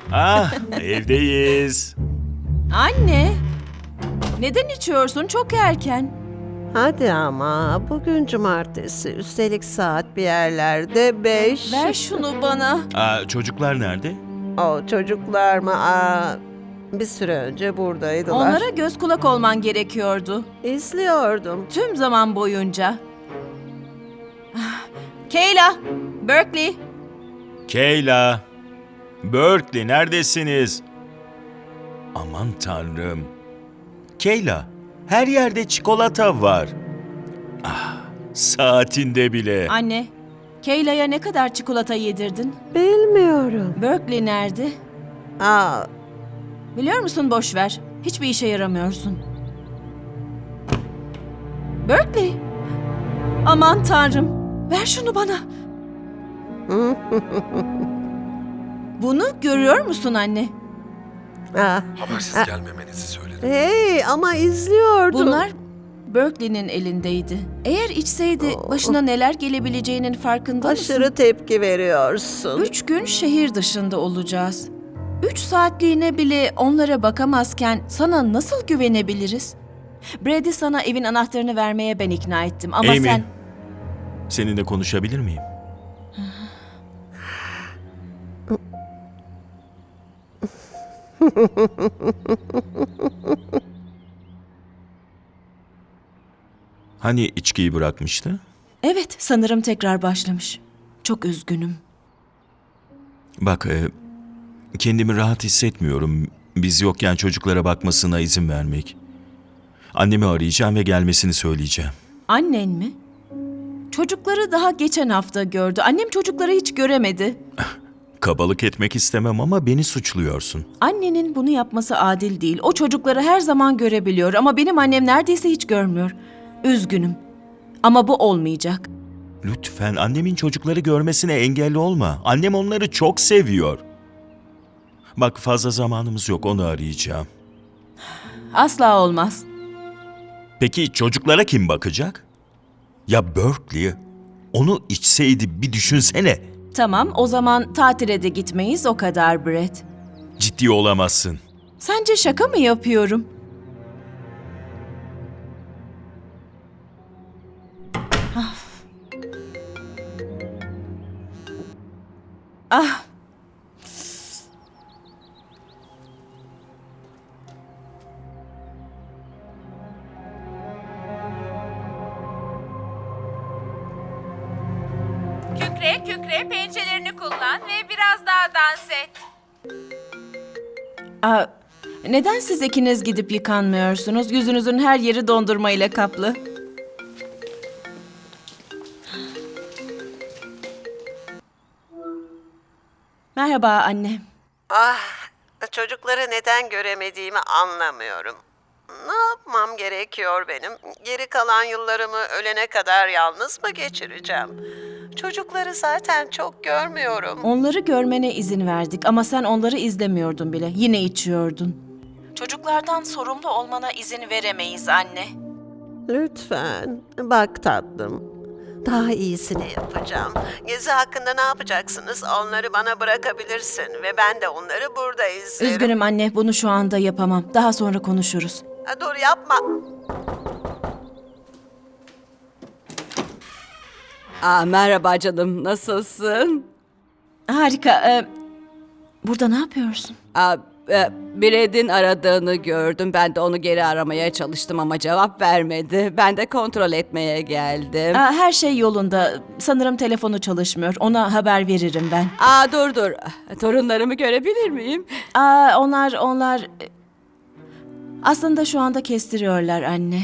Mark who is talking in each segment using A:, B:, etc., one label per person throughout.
A: Evdeyiz.
B: Anne, neden içiyorsun? Çok erken.
C: Hadi ama bugün cumartesi. Üstelik saat bir yerlerde 5.
B: Ver şunu bana.
A: Çocuklar nerede?
C: O çocuklar mı? Bir süre önce buradaydılar.
B: Onlara göz kulak olman gerekiyordu.
C: İzliyordum.
B: Tüm zaman boyunca. Kayla, Berkeley.
A: Kayla, Berkeley neredesiniz? Aman tanrım. Kayla, her yerde çikolata var. Saatinde bile.
B: Anne, Kayla'ya ne kadar çikolata yedirdin?
C: Bilmiyorum.
B: Berkeley nerede?
C: Aa,
B: Biliyor musun, boş ver. Hiçbir işe yaramıyorsun. Berkeley. Aman tanrım. Ver şunu bana. Bunu görüyor musun anne?
D: Habersiz gelmemenizi söyledim.
C: Hey ama izliyordum.
B: Bunlar Berkeley'nin elindeydi. Eğer içseydi başına neler gelebileceğinin farkında mısın?
C: Aşırı tepki veriyorsun.
B: 3 gün şehir dışında olacağız. 3 saatliğine bile onlara bakamazken sana nasıl güvenebiliriz? Brady sana evin anahtarını vermeye ben ikna ettim ama
A: Amy,
B: sen...
A: seninle konuşabilir miyim? Hani içkiyi bırakmıştı?
B: Evet, sanırım tekrar başlamış. Çok üzgünüm.
A: Bak, kendimi rahat hissetmiyorum. Biz yokken çocuklara bakmasına izin vermek. Annemi arayacağım ve gelmesini söyleyeceğim.
B: Annen mi? Çocukları daha geçen hafta gördü. Annem çocukları hiç göremedi.
A: Kabalık etmek istemem ama beni suçluyorsun.
B: Annenin bunu yapması adil değil. O çocukları her zaman görebiliyor ama benim annem neredeyse hiç görmüyor. Üzgünüm. Ama bu olmayacak.
A: Lütfen annemin çocukları görmesine engel olma. Annem onları çok seviyor. Bak, fazla zamanımız yok, onu arayacağım.
B: Asla olmaz.
A: Peki çocuklara kim bakacak? Ya Berkeley, onu içseydi bir düşünsene.
B: Tamam, o zaman tatile de gitmeyiz, o kadar Brett.
A: Ciddi olamazsın.
B: Sence şaka mı yapıyorum? Ah.
E: Kükre kükre pençelerini kullan ve biraz daha dans et.
B: Aa, neden siz ikiniz gidip yıkanmıyorsunuz? Yüzünüzün her yeri dondurmayla kaplı. Merhaba anne.
C: Çocukları neden göremediğimi anlamıyorum. Ne yapmam gerekiyor benim? Geri kalan yıllarımı ölene kadar yalnız mı geçireceğim? Çocukları zaten çok görmüyorum.
B: Onları görmene izin verdik ama sen onları izlemiyordun bile. Yine içiyordun. Çocuklardan sorumlu olmana izin veremeyiz anne.
C: Lütfen. Bak tatlım. Daha iyisini yapacağım. Gezi hakkında ne yapacaksınız? Onları bana bırakabilirsin ve ben de onları burada izlerim.
B: Üzgünüm anne, bunu şu anda yapamam. Daha sonra konuşuruz.
C: Dur yapma.
F: Merhaba canım, nasılsın?
B: Harika. Burada ne yapıyorsun?
F: Brad'in aradığını gördüm. Ben de onu geri aramaya çalıştım ama cevap vermedi. Ben de kontrol etmeye geldim.
B: Her şey yolunda. Sanırım telefonu çalışmıyor. Ona haber veririm ben.
F: Dur. Torunlarımı görebilir miyim?
B: Onlar... Aslında şu anda kestiriyorlar anne.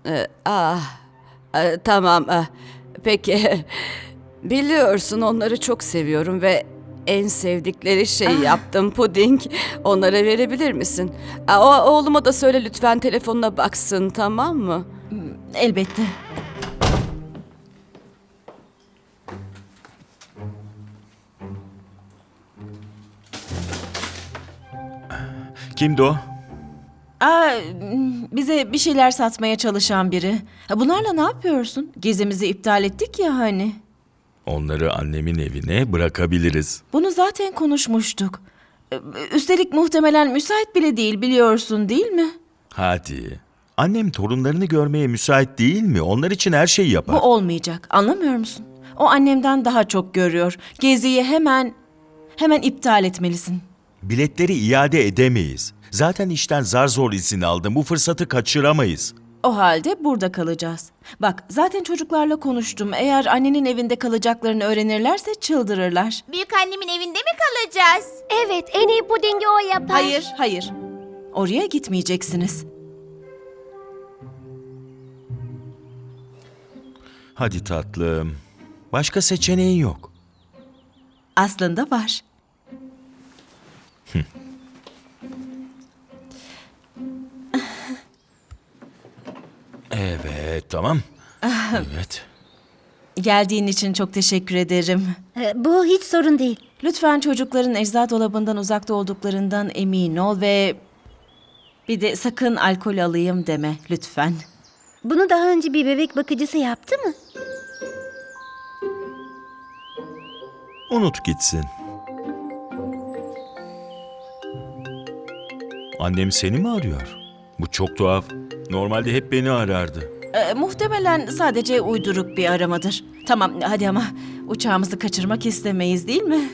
F: Tamam. Peki. Biliyorsun onları çok seviyorum ve en sevdikleri şeyi yaptım, puding. Onlara verebilir misin? Oğluma da söyle lütfen telefonuna baksın, tamam mı?
B: Elbette.
A: Kimdi o?
B: Bize bir şeyler satmaya çalışan biri. Bunlarla ne yapıyorsun? Gezimizi iptal ettik ya hani.
A: Onları annemin evine bırakabiliriz.
B: Bunu zaten konuşmuştuk. Üstelik muhtemelen müsait bile değil, biliyorsun değil mi?
A: Hadi. Annem torunlarını görmeye müsait değil mi? Onlar için her şeyi
B: Bu
A: yapar.
B: olmayacak, anlamıyor musun? O annemden daha çok görüyor. Geziyi hemen iptal etmelisin.
A: Biletleri iade edemeyiz. Zaten işten zar zor izin aldım. Bu fırsatı kaçıramayız.
B: O halde burada kalacağız. Bak, zaten çocuklarla konuştum. Eğer annenin evinde kalacaklarını öğrenirlerse çıldırırlar.
G: Büyük annemin evinde mi kalacağız?
H: Evet, en iyi pudingi o yapar.
B: Hayır. Oraya gitmeyeceksiniz.
A: Hadi tatlım. Başka seçeneğin yok.
B: Aslında var.
A: Evet, tamam. Evet.
B: Geldiğin için çok teşekkür ederim.
H: Bu hiç sorun değil.
B: Lütfen çocukların ecza dolabından uzakta olduklarından emin ol ve bir de sakın alkol alayım deme lütfen.
H: Bunu daha önce bir bebek bakıcısı yaptı mı?
A: Unut gitsin. Annem seni mi arıyor? Bu çok tuhaf. Normalde hep beni arardı.
B: Muhtemelen sadece uyduruk bir aramadır. Tamam hadi ama uçağımızı kaçırmak istemeyiz değil mi?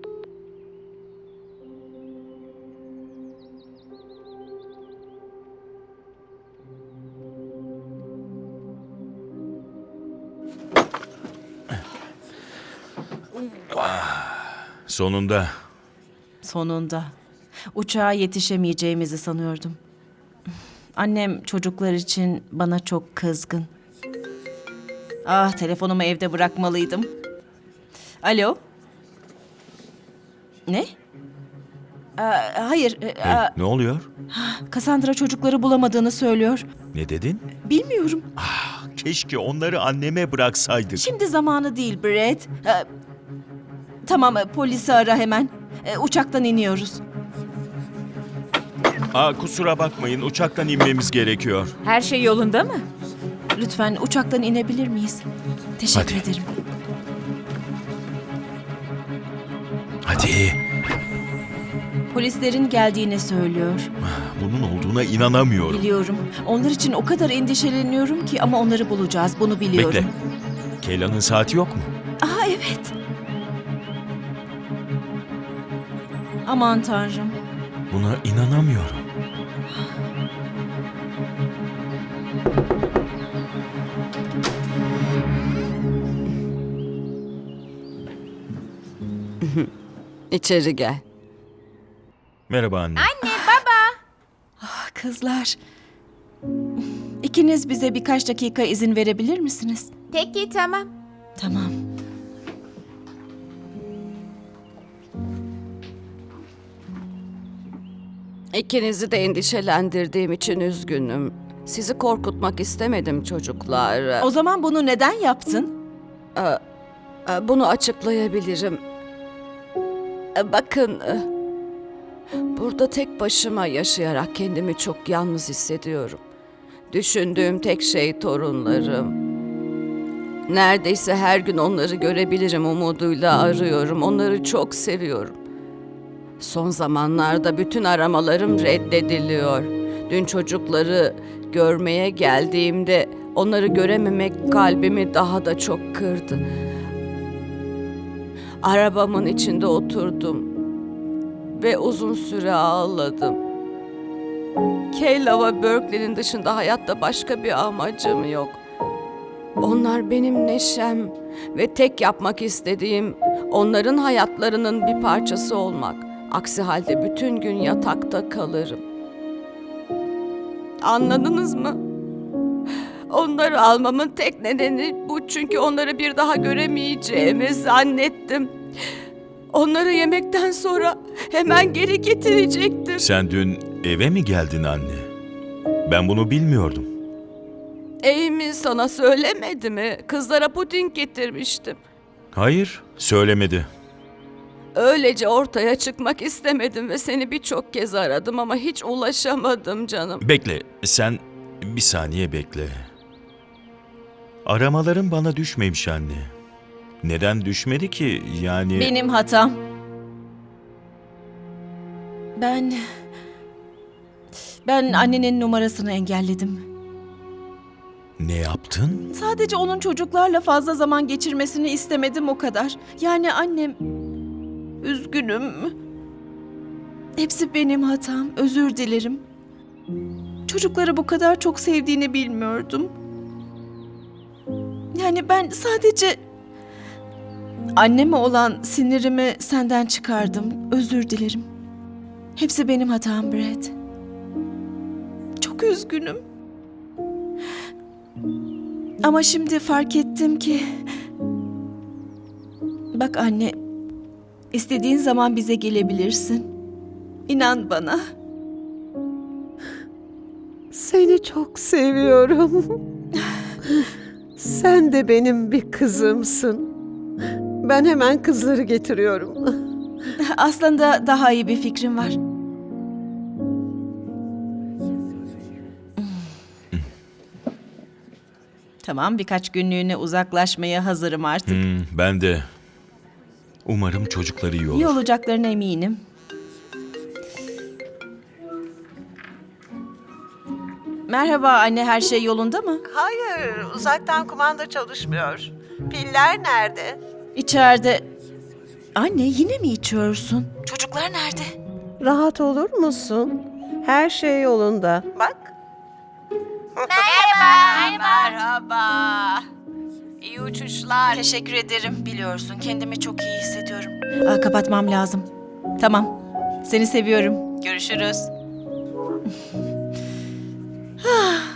A: Sonunda.
B: Sonunda. Uçağa yetişemeyeceğimizi sanıyordum. Annem çocuklar için bana çok kızgın. Ah, telefonumu evde bırakmalıydım. Alo? Ne? Hayır,
A: Hey, ne oluyor?
B: Cassandra çocukları bulamadığını söylüyor.
A: Ne dedin?
B: Bilmiyorum.
A: Keşke onları anneme bıraksaydık.
B: Şimdi zamanı değil Brett. Tamam, polisi ara hemen. Uçaktan iniyoruz.
A: Kusura bakmayın, uçaktan inmemiz gerekiyor.
E: Her şey yolunda mı?
B: Lütfen uçaktan inebilir miyiz? Teşekkür
A: Hadi.
B: ederim.
A: Hadi.
B: Polislerin geldiğini söylüyor.
A: Bunun olduğuna inanamıyorum.
B: Biliyorum. Onlar için o kadar endişeleniyorum ki ama onları bulacağız. Bunu biliyorum.
A: Bekle. Keyla'nın saati yok mu?
B: Evet. Aman Tanrım.
A: Buna inanamıyorum.
F: İçeri gel.
A: Merhaba anne.
B: Kızlar. İkiniz bize birkaç dakika izin verebilir misiniz?
G: Peki tamam.
B: Tamam.
F: İkinizi de endişelendirdiğim için üzgünüm. Sizi korkutmak istemedim çocuklar.
B: O zaman bunu neden yaptın?
F: Bunu açıklayabilirim. Bakın, burada tek başıma yaşayarak kendimi çok yalnız hissediyorum. Düşündüğüm tek şey torunlarım. Neredeyse her gün onları görebilirim umuduyla arıyorum. Onları çok seviyorum. Son zamanlarda bütün aramalarım reddediliyor. Dün çocukları görmeye geldiğimde onları görememek kalbimi daha da çok kırdı. Arabamın içinde oturdum ve uzun süre ağladım. Kayla ve Berkeley'nin dışında hayatta başka bir amacım yok. Onlar benim neşem ve tek yapmak istediğim onların hayatlarının bir parçası olmak. Aksi halde bütün gün yatakta kalırım. Anladınız mı? Onları almamın tek nedeni bu, çünkü onları bir daha göremeyeceğimi zannettim. Onları yemekten sonra hemen geri getirecektim.
A: Sen dün eve mi geldin anne? Ben bunu bilmiyordum.
F: Amy sana söylemedi mi? Kızlara puding getirmiştim.
A: Hayır, söylemedi.
F: Öylece ortaya çıkmak istemedim ve seni birçok kez aradım ama hiç ulaşamadım canım.
A: Bekle, sen bir saniye bekle. Aramaların bana düşmemiş anne. Neden düşmedi ki? Yani...
B: Benim hatam. Ben annenin numarasını engelledim.
A: Ne yaptın?
B: Sadece onun çocuklarla fazla zaman geçirmesini istemedim o kadar. Yani annem... Üzgünüm. Hepsi benim hatam. Özür dilerim. Çocukları bu kadar çok sevdiğini bilmiyordum. Yani ben sadece... Anneme olan sinirimi senden çıkardım. Özür dilerim. Hepsi benim hatam Brad. Çok üzgünüm. Ama şimdi fark ettim ki... Bak anne, istediğin zaman bize gelebilirsin. İnan bana.
I: Seni çok seviyorum. Sen de benim bir kızımsın. Ben hemen kızları getiriyorum.
B: Aslında daha iyi bir fikrim var. Tamam, birkaç günlüğüne uzaklaşmaya hazırım artık.
A: Ben de. Umarım çocukları iyi olur.
B: İyi olacaklarına eminim. Merhaba anne, her şey yolunda mı?
C: Hayır, uzaktan kumanda çalışmıyor. Piller nerede?
B: İçeride. Anne, yine mi içiyorsun? Çocuklar nerede?
I: Rahat olur musun? Her şey yolunda.
C: Bak.
B: Merhaba. İyi uçuşlar. Teşekkür ederim. Biliyorsun, kendimi çok iyi hissediyorum. Kapatmam lazım. Tamam. Seni seviyorum. Görüşürüz.